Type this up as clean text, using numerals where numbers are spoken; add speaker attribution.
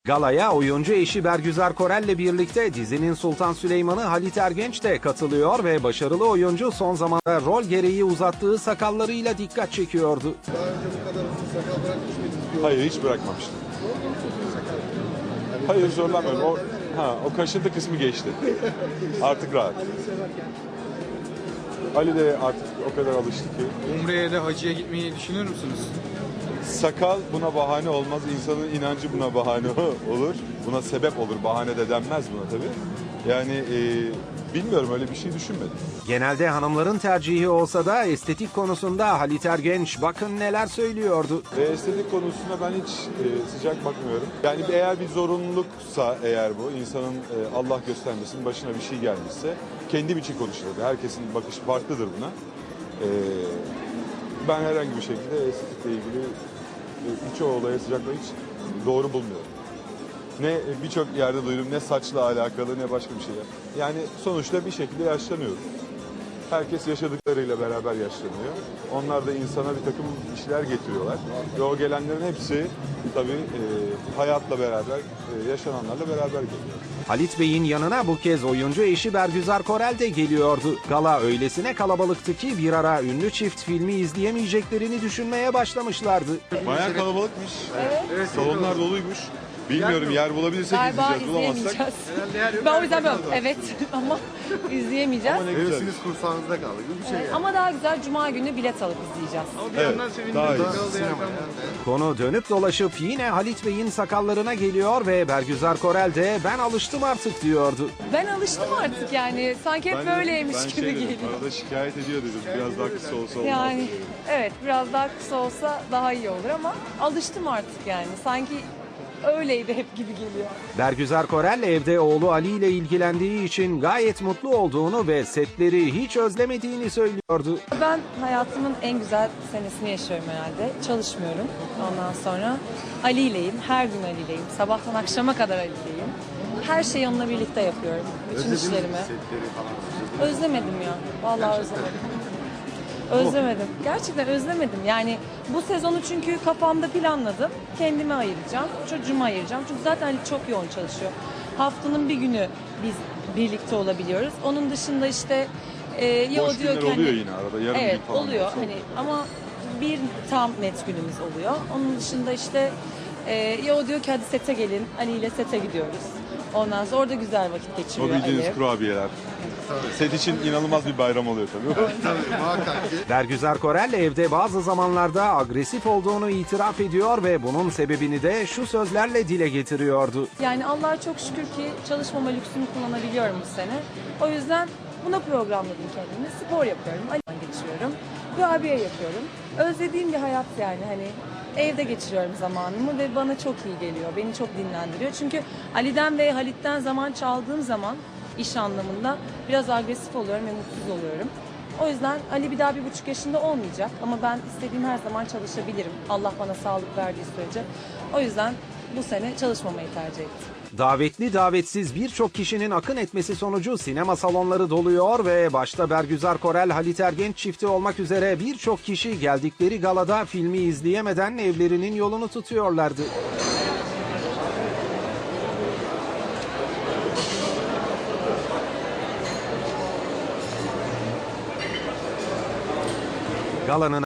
Speaker 1: Galaya oyuncu eşi Bergüzar Korel'le birlikte dizinin Sultan Süleyman'ı Halit Ergenç de katılıyor ve başarılı oyuncu son zamanda rol gereği uzattığı sakallarıyla dikkat çekiyordu.
Speaker 2: Daha önce bu kadar uzun sakal bırakmış mıydınız?
Speaker 3: Hayır, hiç bırakmamıştım. Hayır, zorlanmıyorum. O kaşıntı kısmı geçti. Artık rahat. Ali de artık o kadar alıştı ki.
Speaker 4: Umre'ye de hacıya gitmeyi düşünür müsünüz?
Speaker 3: Sakal buna bahane olmaz. İnsanın inancı buna bahane olur. Buna sebep olur. Bahane de denmez buna tabii. Yani bilmiyorum, öyle bir şey düşünmedim.
Speaker 1: Genelde hanımların tercihi olsa da estetik konusunda Halit Ergenç bakın neler söylüyordu.
Speaker 3: Estetik konusuna ben hiç sıcak bakmıyorum. Yani eğer bir zorunluluksa eğer bu, insanın Allah göstermesin başına bir şey gelmişse kendim için konuşurum. Herkesin bakışı farklıdır buna. Ben herhangi bir şekilde estetikle ilgili birçok olaya sıcaklığı hiç doğru bulmuyorum. Ne birçok yerde duydum, ne saçla alakalı ne başka bir şey. Yani sonuçta bir şekilde yaşlanıyoruz. Herkes yaşadıklarıyla beraber yaşlanıyor. Onlar da insana bir takım işler getiriyorlar. Ve o gelenlerin hepsi tabii hayatla beraber, yaşananlarla beraber geliyor.
Speaker 1: Halit Bey'in yanına bu kez oyuncu eşi Bergüzar Korel de geliyordu. Gala öylesine kalabalıktı ki bir ara ünlü çift filmi izleyemeyeceklerini düşünmeye başlamışlardı.
Speaker 3: Bayağı kalabalıkmış. Evet. Salonlar doluymuş. Bilmiyorum, yer bulabilirsek
Speaker 5: Galiba
Speaker 3: izleyeceğiz. Bulamazsak.
Speaker 5: izleyemeyeceğiz. Ben o yüzden böyle evet ama izleyemeyeceğiz.
Speaker 3: Ama ne güzel.
Speaker 2: Hevesiniz kursağınızda kaldı gibi bir şey yani.
Speaker 5: Ama daha güzel Cuma günü bilet alıp izleyeceğiz.
Speaker 4: Ama bir yandan
Speaker 3: daha iyi.
Speaker 2: Sinema yani.
Speaker 1: Konu dönüp dolaşıp yine Halit Bey'in sakallarına geliyor ve Bergüzar Korel de ben alıştım artık diyordu.
Speaker 5: Ben alıştım artık yani. Sanki hep böyleymiş gibi geliyor.
Speaker 3: Arada şikayet ediyor dedim. Biraz daha kısa olsa olmaz.
Speaker 5: Yani evet biraz daha kısa olsa daha iyi olur ama alıştım artık yani. Sanki öyleydi hep gibi geliyor.
Speaker 1: Bergüzar Korel evde oğlu Ali ile ilgilendiği için gayet mutlu olduğunu ve setleri hiç özlemediğini söylüyordu.
Speaker 5: Ben hayatımın en güzel senesini yaşıyorum herhalde. Çalışmıyorum ondan sonra. Ali ileyim, her gün Ali ileyim. Sabahtan akşama kadar Ali ileyim. Her şeyi onunla birlikte yapıyorum. Bütün işlerimi.
Speaker 2: Setleri falan.
Speaker 5: Özlemedim ya. Vallahi özlemedim. Özlemedim. Gerçekten özlemedim. Yani bu sezonu çünkü kafamda planladım. Kendime ayıracağım. Çocuğuma ayıracağım. Çünkü zaten Ali çok yoğun çalışıyor. Haftanın bir günü biz birlikte olabiliyoruz. Onun dışında işte ya
Speaker 3: Boş
Speaker 5: o diyor
Speaker 3: günler
Speaker 5: ki
Speaker 3: oluyor
Speaker 5: hani,
Speaker 3: yine arada. Yarım
Speaker 5: evet
Speaker 3: gün falan.
Speaker 5: oluyor hani ama bir tam net günümüz oluyor. Onun dışında işte ya o diyor ki hadi sete gelin. Ali ile sete gidiyoruz. Ondan sonra orada güzel vakit
Speaker 3: O
Speaker 5: geçiriyor
Speaker 3: bildiğiniz
Speaker 5: Ali.
Speaker 3: kurabiyeler. Set için inanılmaz bir bayram oluyor tabii.
Speaker 2: Tabii muhakkak ki.
Speaker 1: Bergüzar Korel evde bazı zamanlarda agresif olduğunu itiraf ediyor ve bunun sebebini de şu sözlerle dile getiriyordu.
Speaker 5: Yani Allah'a çok şükür ki çalışmama lüksünü kullanabiliyorum bu sene. O yüzden buna programladım kendimi. Spor yapıyorum, Ali'den geçiriyorum, kurabiye yapıyorum. Özlediğim bir hayat yani hani evde geçiriyorum zamanımı ve bana çok iyi geliyor. Beni çok dinlendiriyor. Çünkü Ali'den ve Halit'ten zaman çaldığım zaman iş anlamında biraz agresif oluyorum ve mutsuz oluyorum. O yüzden Ali bir daha 1,5 yaşında olmayacak ama ben istediğim her zaman çalışabilirim. Allah bana sağlık verdiği sürece. O yüzden bu sene çalışmamayı tercih ettim.
Speaker 1: Davetli davetsiz birçok kişinin akın etmesi sonucu sinema salonları doluyor ve başta Bergüzar Korel Halit Ergenç çifti olmak üzere birçok kişi geldikleri galada filmi izleyemeden evlerinin yolunu tutuyorlardı. Galanın